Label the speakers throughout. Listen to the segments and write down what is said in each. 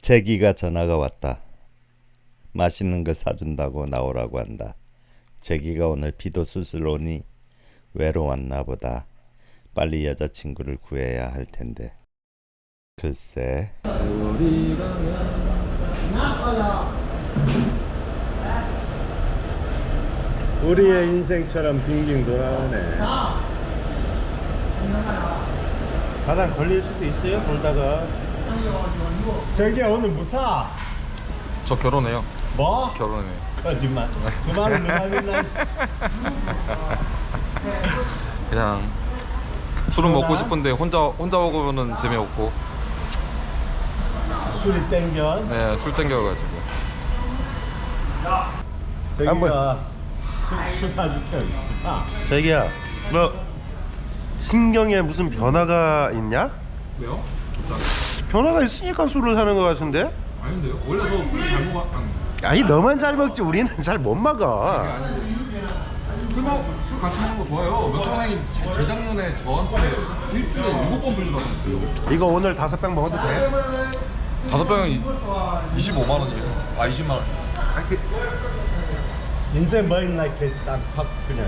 Speaker 1: 재기가 전화가 왔다. 맛있는 걸 사준다고 나오라고 한다. 재기가 오늘 비도 슬슬 오니 외로웠나 보다. 빨리 여자친구를 구해야 할 텐데. 글쎄. 우리의 인생처럼 빙빙 돌아오네.
Speaker 2: 바닥 걸릴 수도 있어요, 돌다가.
Speaker 1: 저기야 오늘 무사.
Speaker 3: 저 결혼해요.
Speaker 1: 뭐?
Speaker 3: 결혼해요.
Speaker 1: 거짓말. 그 말은 누가 믿나?
Speaker 3: 그냥 술은 먹고 싶은데 혼자 먹으면은 재미없고.
Speaker 1: 술이 땡겨.
Speaker 3: 네, 술 땡겨가지고.
Speaker 1: 저기가 술 사줄게. 사.
Speaker 2: 자기야, 너 신경에 무슨 변화가 있냐?
Speaker 3: 왜요?
Speaker 2: 변화가 있으니까 술을 사는 것 같은데?
Speaker 3: 아닌데요? 원래 저술잘 먹어.
Speaker 2: 아니 너만 잘 먹지 우리는 잘 못 먹어.
Speaker 3: 술 같이 먹는 거 좋아요. 몇 사장님 재작년에 저한테 일주일에 7번 빌려다녔어요.
Speaker 2: 이거 오늘 5병 먹어도 돼?
Speaker 3: 5병이 25만 원이에요. 아 20만 원.
Speaker 1: 인생 뭐 있나 이렇게 싹팍 그냥.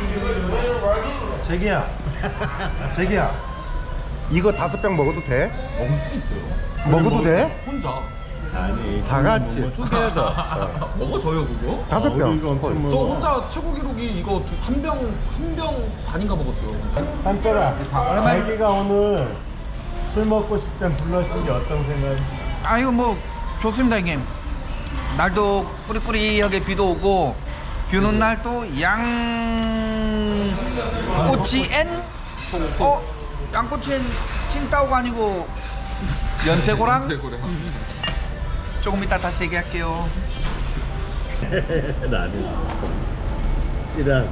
Speaker 2: 자기야, 자기야, 이거 5병 먹어도 돼?
Speaker 3: 먹을 수 있어요.
Speaker 2: 먹어도 돼?
Speaker 3: 혼자.
Speaker 1: 아니
Speaker 2: 다 같이.
Speaker 3: 먹어줘요 그거?
Speaker 2: 5병.
Speaker 3: 저 혼자 최고 기록이 이거 한 병 반인가 먹었어요.
Speaker 1: 한철아, 자기가 오늘 술 먹고 싶다면 불러신 게 어떤 생각이?
Speaker 4: 아유 뭐 좋습니다 형님. 날도 꾸리꾸리하게 비도 오고 비 오는 날 또 양꼬치 앤 양꼬치 앤 찐따오가 아니고 연태고랑
Speaker 3: 대구래.
Speaker 4: 조금 이따 다시 얘기할게요.
Speaker 1: 나는 이랑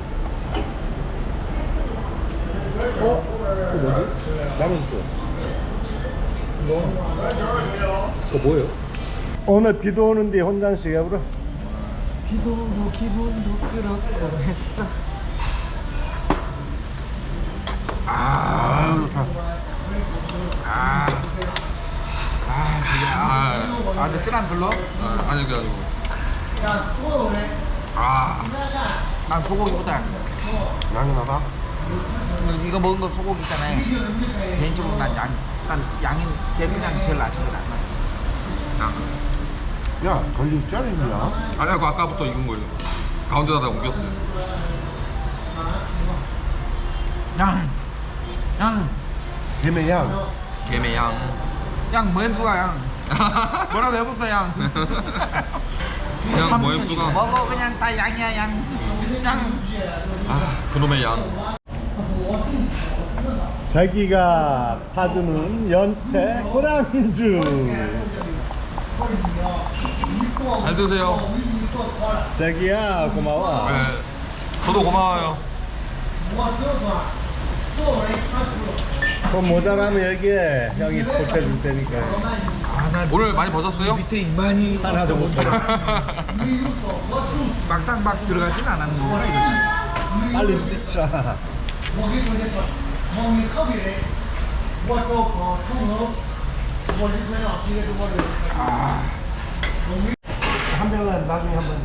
Speaker 3: 그거 뭐예요?
Speaker 1: 오늘 비도 오는데 혼자 시ገብ으로
Speaker 4: 비도 오고 기분도 그렇고 했어. 근데 찐안 불러?
Speaker 3: 아니 그게 아니고.
Speaker 4: 난 소고기보다
Speaker 2: 나는
Speaker 4: 이거 먹은 거 소고기잖아요. 개인적으로 난 양이 제일 그냥 제일 맛있는 거 같아.
Speaker 2: 야, 걸릴 줄 알았냐?
Speaker 3: 아니 그거 아까부터 익은 거예요. 가운데다가 옮겼어요.
Speaker 4: 양
Speaker 2: 개매양.
Speaker 3: 개매양.
Speaker 4: 양 뭐햄수가 양 뭐라고 해볼까 양
Speaker 3: 그냥 모형수가.
Speaker 4: 먹어 그냥 다 양이야 양
Speaker 3: 아 그놈의 양.
Speaker 1: 자기가 사주는 연태 고량주.
Speaker 3: 잘 드세요.
Speaker 1: 자기야 고마워.
Speaker 3: 네. 저도 고마워요.
Speaker 1: 그럼 모자라면 여기에 형이 보태줄 테니까.
Speaker 3: 오늘 많이 버셨어요?
Speaker 4: 밑에 이만희
Speaker 1: 하나도 못 버려.
Speaker 4: 막상 막 들어가진 않았는 거구나 이거.
Speaker 1: 빨리 뛰자.
Speaker 2: 한 병은 나중에 한번.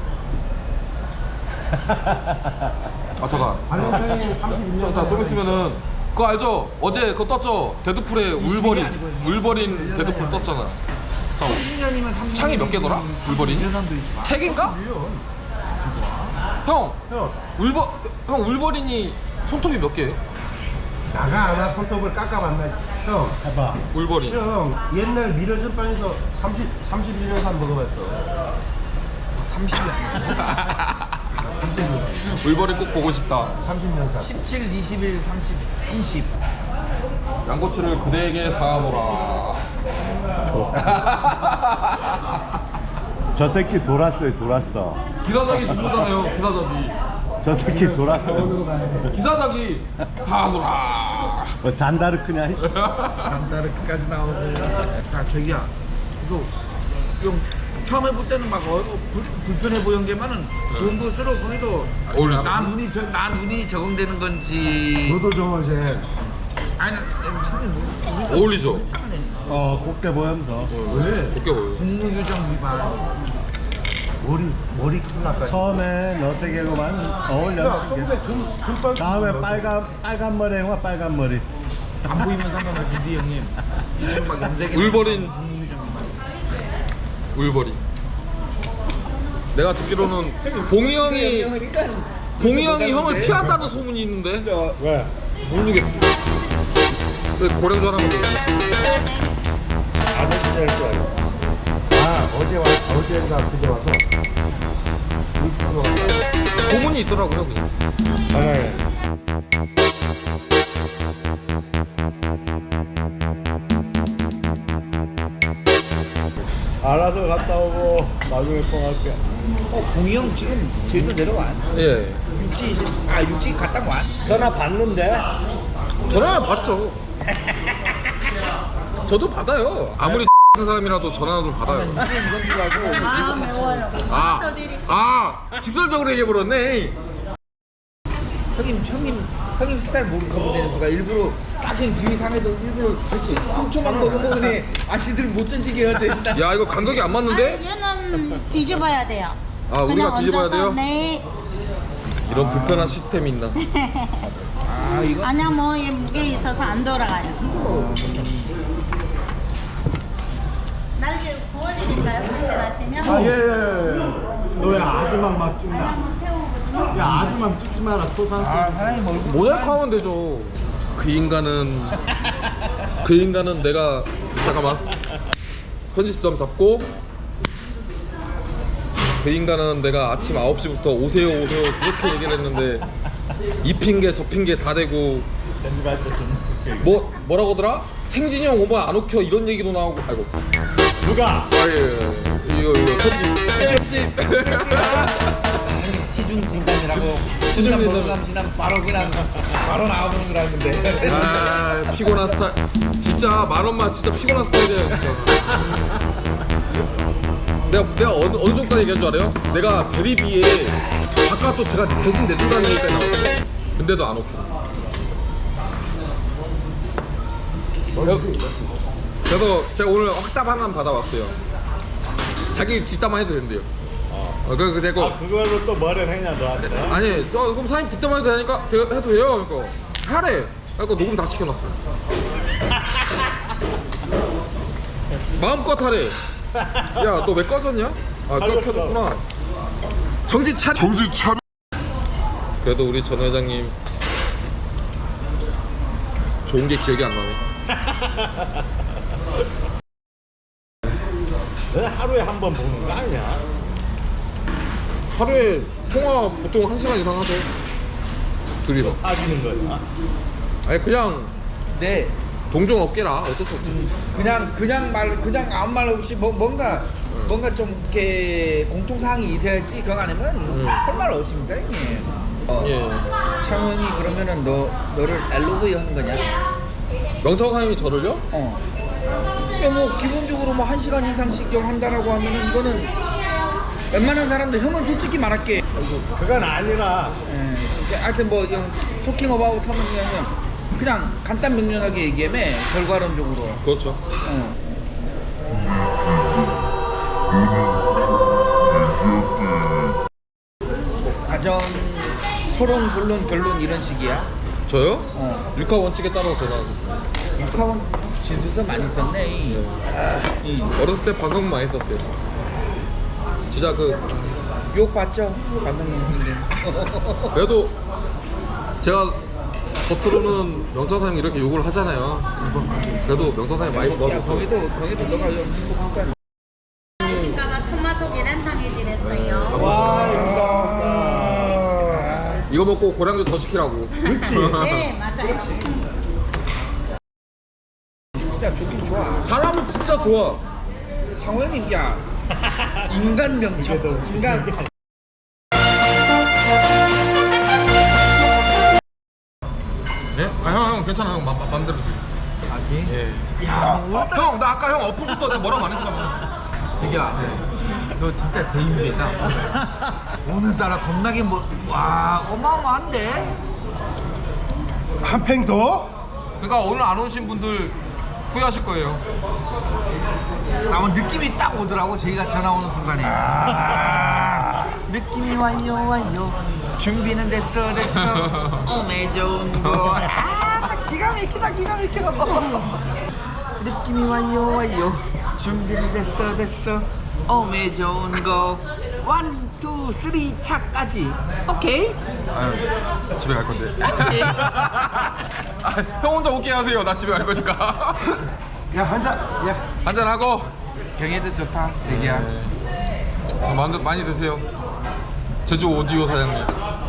Speaker 3: 아 잠깐. 좀 있으면은 그거 알죠? 어제 그거 떴죠? 데드풀에 울버린 데드풀 떴잖아.
Speaker 4: 10년이면 3년
Speaker 3: 창이 몇 개더라? 울버린? 3개인가? 형 울버린이 손톱이 몇 개예요?
Speaker 2: 나가 손톱을 깎아봤나? 형,
Speaker 1: 해봐.
Speaker 3: 울버린.
Speaker 2: 형 옛날 미러전 빵에서 31년 산 먹어봤어.
Speaker 4: 30년
Speaker 3: 울버린 꼭 보고 싶다.
Speaker 2: 30년 산.
Speaker 4: 17, 21, 30
Speaker 3: 양꼬치를 그대에게 사노라.
Speaker 1: 저 새끼 돌았어요, 돌았어.
Speaker 3: 기사작이 중요하잖아요. 기사작이.
Speaker 1: 저 새끼 돌았어.
Speaker 3: 기사작이 사노라.
Speaker 1: 뭐 잔다르크냐?
Speaker 4: 잔다르크까지 나오고. 아 저기야 이거 좀 처음 해볼 때는 막 불편해 보이는 게만은 좋은 거 쓰러 보니도
Speaker 3: 어울리죠?
Speaker 4: 나 눈이 적응되는 건지
Speaker 2: 너도 좀 어제
Speaker 4: 아니
Speaker 3: 어울리죠?
Speaker 2: 곱게 보면서.
Speaker 3: 어깨 보여.
Speaker 4: 국무규정 위반.
Speaker 2: 머리 큰일 났다. 처음에 너세 개고만 어울려. 다음에 빨간 머리 형아 빨간 머리.
Speaker 4: 안 보이면 상관없는데 형님. 이쪽 막 염색이.
Speaker 3: 울버린.
Speaker 4: 국무규정 위반.
Speaker 3: 울버린. 내가 듣기로는 봉이 형이 형을 피한다는 소문이 있는데
Speaker 2: 왜?
Speaker 3: 모르겠어. 고령 전화면
Speaker 2: 안 해도 될줄 알고. 어제인가 그제 와서.
Speaker 3: 소문이 있더라고요. 그냥.
Speaker 2: 알아서 갔다 오고 나중에 통화할게.
Speaker 4: 봉이 형 지금 제주도 내려와.
Speaker 3: 예.
Speaker 4: 육지 갔다 와.
Speaker 2: 전화 받는데?
Speaker 3: 전화 받죠. 저도 받아요. 아무리 같은 사람이라도 전화도 받아요.
Speaker 5: 아 매워요.
Speaker 3: 직설적으로 얘기해버렸네.
Speaker 4: 형님 스타일 모르고 되는 거가 일부러 딱히 뒤에 상해도 일부러 그렇지. 상초만 먹으면 아씨들 못 던지게 해야 된다.
Speaker 3: 야 이거 간격이 안 맞는데?
Speaker 5: 얘는 뒤집어야 돼요.
Speaker 3: 아 우리가
Speaker 5: 그냥
Speaker 3: 뒤집어야
Speaker 5: 얹어서,
Speaker 3: 돼요?
Speaker 5: 네.
Speaker 3: 이런 불편한 시스템이 있나?
Speaker 5: 아니야 뭐 이 무게 있어서 안 돌아가요. 날개 구워드릴까요? 불편하시면?
Speaker 2: 너 왜 아주만 막 찍냐?
Speaker 5: 한번 태우거든요.
Speaker 2: 야 아주만 찍지 마라. 토산.
Speaker 4: 사장님 얼굴
Speaker 3: 모자이크 하면 되죠. 그 인간은 내가 잠깐만 편집점 잡고 그 인간은 내가 아침 9시부터 오세요 그렇게 얘기를 했는데 이 핑계 저 핑계 다 대고 뭐라고더라? 생진이 형 오면 안 오켜 이런 얘기도 나오고 아이고
Speaker 2: 누가?
Speaker 3: 이거 편집
Speaker 4: 지중 진담이라고.
Speaker 3: 지중 진담.
Speaker 4: 먹감시는 바로 나오는 거라는데.
Speaker 3: 아 피곤한 스타일 진짜 만원만 진짜 피곤한 스타일이에요 진짜. 내가 어느 정도 얘기한 줄 알아요? 내가 대리비에 바깥도 제가 대신 내준다는 얘기까지 나왔어요. 근데도 안 오케이. 그래서 제가 오늘 확답 하나 받아왔어요. 자기 뒷담화 해도 된대요. 그 되고
Speaker 2: 그걸로 또 뭐를 했냐 너한테?
Speaker 3: 아니 저 그럼 사장님 뒷담화 해도 되니까 해도 돼요. 그러니까 하래. 그러니까 녹음 다 시켜놨어. 마음껏 하래. 야 너 왜 꺼졌냐? 켜졌구나. 정신 차려. 그래도 우리 전 회장님 좋은 게 기억이 안 나네.
Speaker 2: 너 하루에 한 번 보는 거 아니야?
Speaker 3: 하루에 통화 보통 1시간 이상 하죠. 둘이서.
Speaker 2: 사귀는 거야.
Speaker 3: 아니 그냥
Speaker 4: 네.
Speaker 3: 동종 업계라 어쩔 수 없지.
Speaker 4: 그냥 아무 말 없이 뭔가 좀 이렇게 공통사항이 있어야지 그거 아니면 할 말 없습니다 형님.
Speaker 3: 예.
Speaker 4: 창원이 그러면은 너를 LOV 하는 거냐?
Speaker 3: 명창 사장님이 저를요?
Speaker 4: 근데 뭐 기본적으로 뭐 1시간 이상씩 한다라고 하면은 이거는 웬만한 사람들 형은 솔직히 말할게.
Speaker 2: 그건 아니라.
Speaker 4: 하여튼 뭐 토킹 어바웃 하면 그냥 간단 명료하게 얘기하면 결과론적으로.
Speaker 3: 그렇죠.
Speaker 4: 과정, 토론, 본론, 결론 이런 식이야.
Speaker 3: 저요? 육하 원칙에 따라서 전화하고 있어요.
Speaker 4: 육하원 진술서 많이 썼네.
Speaker 3: 어렸을 때 방송 많이 썼어요. 진짜
Speaker 4: 욕 봤죠? 감독님.
Speaker 3: 그래도 제가 겉으로는 명창 사장님 이렇게 욕을 하잖아요. 그래도 명창 사장님 많이
Speaker 4: 야
Speaker 3: 도와줬어.
Speaker 4: 거기도 너가 행복하니까.
Speaker 5: 신가가 토마토 계란탕 해드렸어요.
Speaker 3: 이거 먹고 고량주 더 시키라고.
Speaker 5: 네 맞아요.
Speaker 4: 야 좋긴 좋아.
Speaker 3: 사람은 진짜 좋아.
Speaker 4: 장호영님 야 인간 명청 인간.
Speaker 3: 예? 형 괜찮아 형 맘대로.
Speaker 4: 아기?
Speaker 3: 형 나 아까 형 어플부터 내가 뭐라고 안 했잖아.
Speaker 4: 자기야 너 진짜 대인배다. 오늘따라 겁나게 와 어마어마한데?
Speaker 2: 한 팽 더?
Speaker 3: 그러니까 오늘 안 오신 분들 후회하실 거예요.
Speaker 4: 느낌이 딱 오더라고. 저희가 전화 오는 순간에. 느낌이 와요. 준비는 됐어. 오메 좋은 거. 기가 막히다. 느낌이 와요. 준비는 됐어. 오메 좋은 거. 1, 2, 3 차까지. 오케이.
Speaker 3: 아유, 집에 갈 건데. 형 혼자 오케이 하세요. 나 집에 갈 거니까.
Speaker 2: 야 한잔. 야.
Speaker 3: 한잔 하고.
Speaker 4: 경애도 좋다. 자기야.
Speaker 3: 많이 드세요. 제주 오디오 사장님.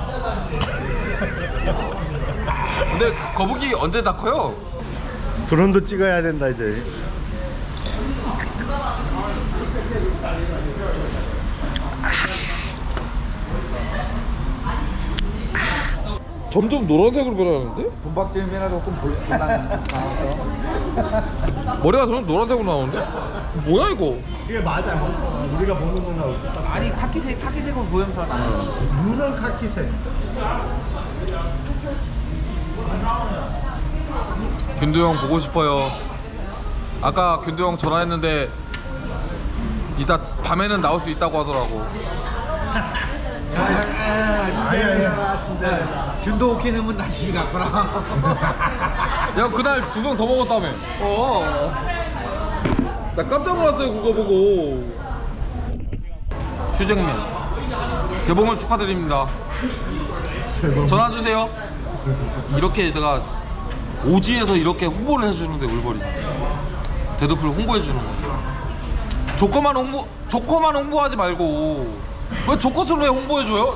Speaker 3: 근데 거북이 언제 다 커요?
Speaker 2: 드론도 찍어야 된다 이제.
Speaker 3: 점점 노란색으로 변하는데?
Speaker 4: 돈박지면 변화도 조금 볼랑.
Speaker 3: 머리가 점점 노란색으로 나오는데? 뭐야 이거?
Speaker 2: 이게 맞아. 우리가 보는 거나 똑같아.
Speaker 4: 아니 카키색은 보험사 나.
Speaker 2: 누런 카키색.
Speaker 3: 균도 형 보고 싶어요. 아까 균도 형 전화했는데 이따 밤에는 나올 수 있다고 하더라고.
Speaker 2: 아니야.
Speaker 4: 균도 오케이 넣으면 나 집에 갔구나.
Speaker 3: 야 그날 2병 더 먹었다며. 나 깜짝 놀랐어요 그거 보고. 휴잭맨 개봉을 축하드립니다. 전화 주세요. 이렇게 내가 오지에서 이렇게 홍보를 해주는데 울버리 데드풀 홍보해주는 거. 조커만 홍보하지 말고 왜 조커를 왜 홍보해줘요?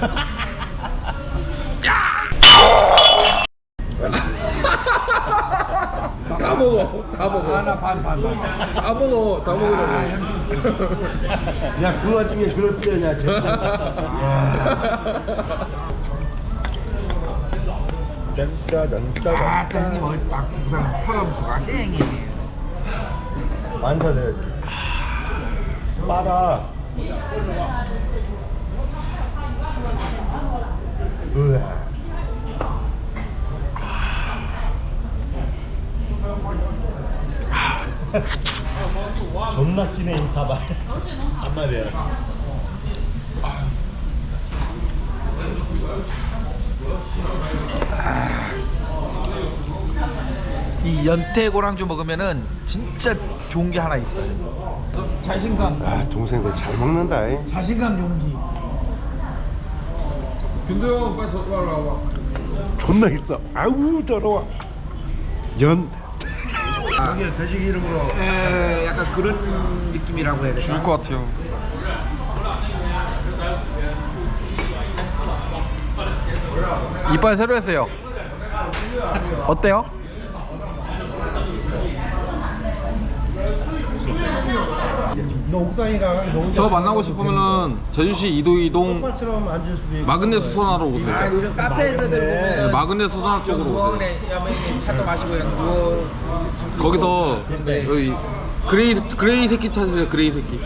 Speaker 3: 다 먹어.
Speaker 4: 하나 반.
Speaker 3: 다 먹어. 다 먹으라고.
Speaker 2: 야, 그 와중에 그럴 때냐,
Speaker 4: 형님 어디 막 부산 털어무수가 땡이.
Speaker 2: 완전해. 빨아. 으아. 존나 끼네 인타발. 한마디야.
Speaker 4: 이 연태 고랑주 먹으면은 진짜 좋은 게 하나 있어요. 자신감.
Speaker 2: 아, 동생들 잘 먹는다. 이.
Speaker 4: 자신감 용기.
Speaker 3: 균도 형 빨리 저거 와봐.
Speaker 2: 존나 있어. 아우 더러워. 연. 여기 돼지 기름으로.
Speaker 4: 약간 그런 느낌이라고 해야 되나?
Speaker 3: 죽을 것 같아요. 이빨 새로 했어요. 어때요?
Speaker 2: 너 옥상이가 너
Speaker 3: 저 만나고 싶으면은 제주시 이도이동
Speaker 2: 똑같처럼 앉을 수도 있고.
Speaker 3: 마그네 수선화로 오세요.
Speaker 4: 요즘 카페에서들
Speaker 3: 네,
Speaker 4: 보면
Speaker 3: 마그네 수선화 쪽으로 오세요.
Speaker 4: 누워네 차도 마시고 이런 누워.
Speaker 3: 거기서 여기 그레이 새끼 찾으세요. 그레이 새끼.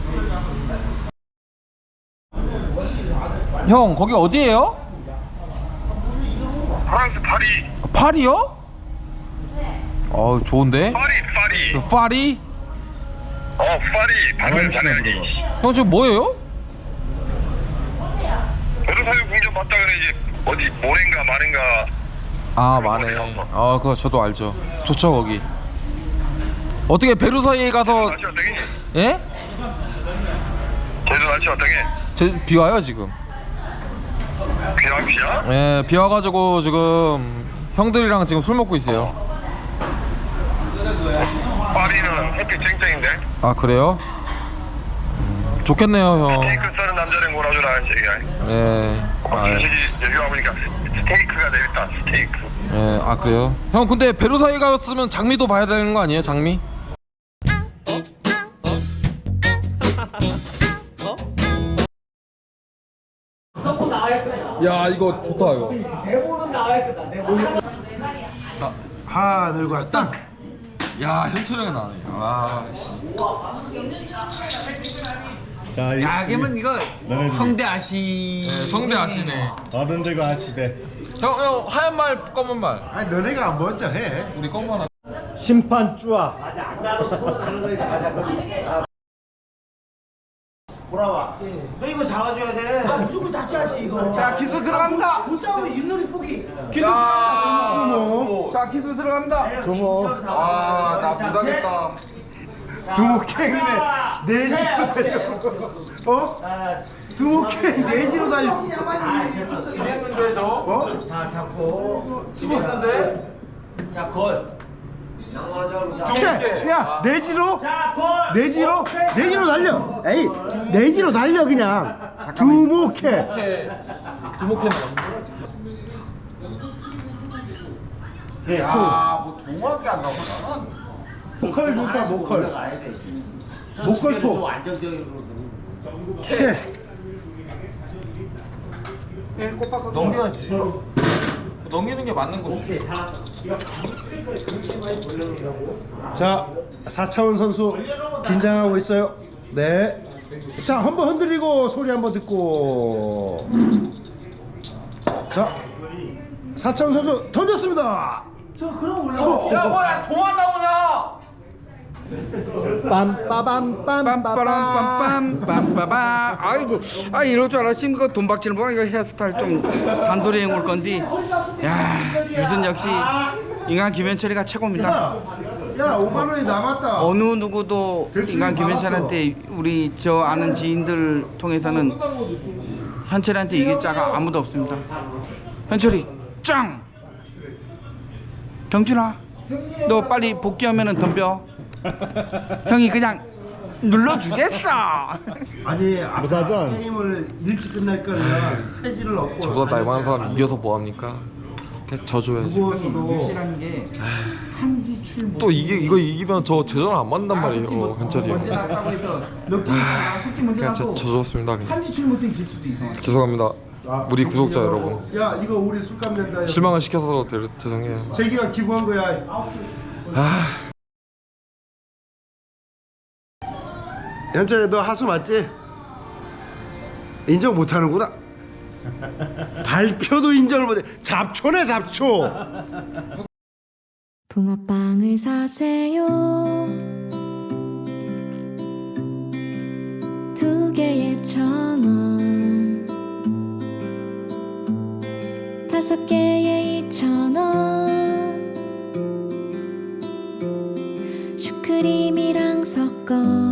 Speaker 3: 형 거기 어디예요?
Speaker 6: 프랑스 파리.
Speaker 3: 파리요? 좋은데?
Speaker 6: 파리.
Speaker 3: 파리?
Speaker 6: 파리. 방금 전에
Speaker 3: 형 지금 뭐예요?
Speaker 6: 베르사유 궁전 봤다 그래 이제 어디 모렌가 마렌가.
Speaker 3: 아 마네. 그거 저도 알죠. 좋죠 거기. 어떻게 베르사유에 가서
Speaker 6: 날씨 어떠게?
Speaker 3: 예?
Speaker 6: 제주 날씨 어떠게?
Speaker 3: 비 와요 지금.
Speaker 6: 비야?
Speaker 3: 예, 비 와가지고 지금 형들이랑 지금 술 먹고 있어요.
Speaker 6: 파리는 햇빛 쨍쨍인데.
Speaker 3: 아 그래요? 좋겠네요 형.
Speaker 6: 스테이크 써는 남자를 몰아주라 얘기야.
Speaker 3: 예.
Speaker 6: 솔직히 여기 와보니까 스테이크가 내렸다. 스테이크.
Speaker 3: 예. 아 그래요? 형 근데 베르사유 가였으면 장미도 봐야 되는 거 아니에요? 장미? 야 이거 좋다 이거.
Speaker 2: 하늘과 땅.
Speaker 3: 야 현철이가 나네. 아 씨.
Speaker 2: 자,
Speaker 4: 야, 그러면 이거
Speaker 2: 너네
Speaker 4: 성대 아시.
Speaker 3: 성대 아시네.
Speaker 2: 어른들과 아시대.
Speaker 3: 형 하얀 말 검은 말.
Speaker 2: 아니 너네가 먼저 해.
Speaker 3: 우리 검은 말.
Speaker 2: 심판 쭈아.
Speaker 4: 자 기술 들어갑니다. 자 기술 들어갑니다.
Speaker 2: 두모.
Speaker 3: 아나 못하겠다.
Speaker 2: 두목행이네. 내지로 달려. 어? 두목행 내지로 달려.
Speaker 3: 지겠는데 저?
Speaker 2: 어?
Speaker 3: 지겠는데?
Speaker 2: 야 내지로. 내지로. 내지로 달려. 에이 내지로 달려 그냥. 두목행.
Speaker 3: 두목해
Speaker 4: 아뭐 동화밖에 안 나오나?
Speaker 2: 목컬 좋다 목컬. 목컬 톡.
Speaker 3: 넘겨야지. 넘기는 게 맞는 거지.
Speaker 2: 자 4차원 선수 긴장하고 있어요. 네. 자 한번 흔들리고 소리 한번 듣고. 자 4차원 선수 던졌습니다.
Speaker 4: 야 뭐야 동화 나오냐?
Speaker 2: 빰빠밤빰빠밤.
Speaker 7: 빰빰빰빰빰. 아이고, 아 이럴 줄 알았으면 그거 돈 박치는 거야. 이거 헤어스타일 좀 단돌이 해올 건데. 야, 유선 역시 인간 김현철이가 최고입니다.
Speaker 2: 야 5만 원이 남았다.
Speaker 7: 어느 누구도 인간 김현철한테 우리 저 아는 지인들 통해서는 현철한테 이길 자가 아무도 없습니다. 현철이 짱. 경준아, 너 빨리 복귀하면은 덤벼. 형이 그냥 눌러주겠어.
Speaker 2: 아니 아까 게임을 일찍 끝날 거면 세지를 얻고.
Speaker 3: 저보다 나이 많은 사람 이겨서 뭐합니까? 그냥 져줘야지.
Speaker 7: 유시라는 게 한지 출못.
Speaker 3: 또 이거 이기면 저 제대로 안 맞는단 말이에요, 현철이.
Speaker 7: 먼저 나갔다고 해서 넉팀 솔직히 먼저
Speaker 3: 그냥
Speaker 7: 나고
Speaker 3: 져줬습니다. 그냥.
Speaker 7: 한지 출못은 질 수도 있어.
Speaker 3: 죄송합니다. 우리 구독자 여러분.
Speaker 2: 야 이거 우리 술값 낸다.
Speaker 3: 실망을 시켜서 죄송해요.
Speaker 2: 제기가 기부한 거야. 현철이 너 하수 맞지? 인정 못하는구나. 발표도 인정을 못해. 잡초네 잡초.
Speaker 8: 붕어빵을 사세요. 2개에 1,000원, 5개에 2,000원. 슈크림이랑 섞어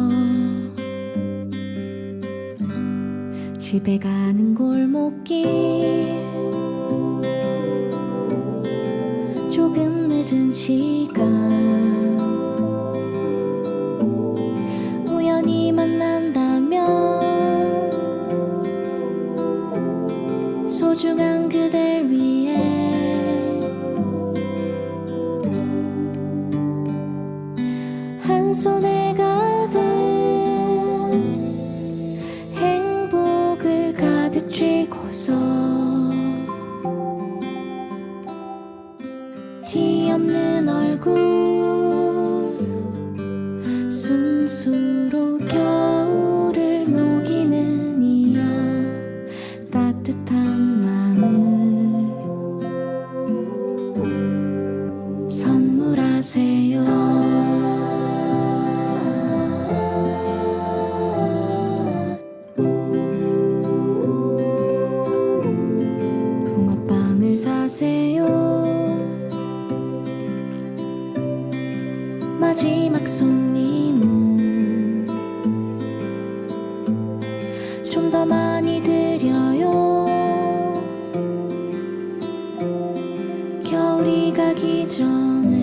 Speaker 8: 집에 가는 골목길, 조금 늦은 시간 우연히 만난다면 소중한 그댈 위해 한 손에 가득 행복을 가득 쥐고서 티 없는 얼굴 순수로 겨울을 녹이는 이여 따뜻한 마음을 선물하세요. 붕어빵을 사세요. 마지막 손님은 좀 더 많이 드려요. 겨울이 가기 전에